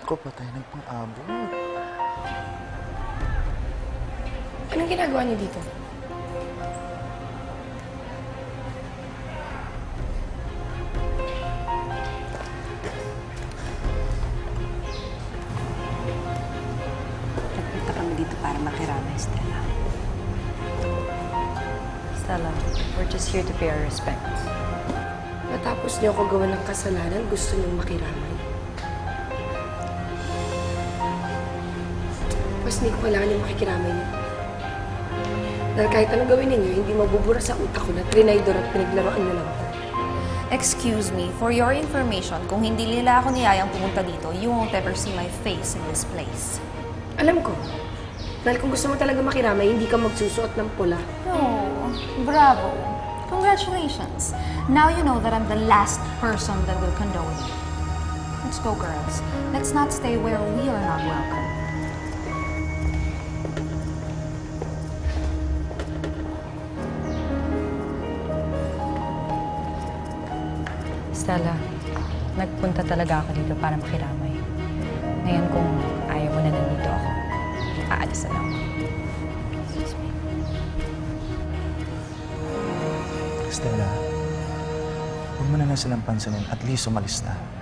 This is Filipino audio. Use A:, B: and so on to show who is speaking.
A: Ko, patay ng pang-abot.
B: Anong ginagawa niyo dito?
C: Nagpunta kami dito para makiramay, Stella.
D: Stella, we're just here to pay our respects.
B: Matapos niyo ako gawa ng kasalanan, gusto niyong makiramay. Mas hindi ko kailangan yung makikiramay niyo. Dahil kahit anong gawin ninyo, hindi mabubura sa utak ko na trinaydor at pinaglaruan niyo lang ako.
E: Excuse me, for your information, kung hindi nila ako niyayang pumunta dito, you won't ever see my face in this place.
B: Alam ko. Dahil kung gusto mo talaga makiramay, hindi ka magsusuot ng pula.
E: Oh, bravo. Congratulations. Now you know that I'm the last person that will condone you. Let's go, girls. Let's not stay where we are not welcome.
D: Stella, nagpunta talaga ako dito para makiramay. Ngayon kung ayaw mo na nandito ako, aalis na lang ako.
A: Stella, huwag mo na lang silang pansinin. At least umalis na.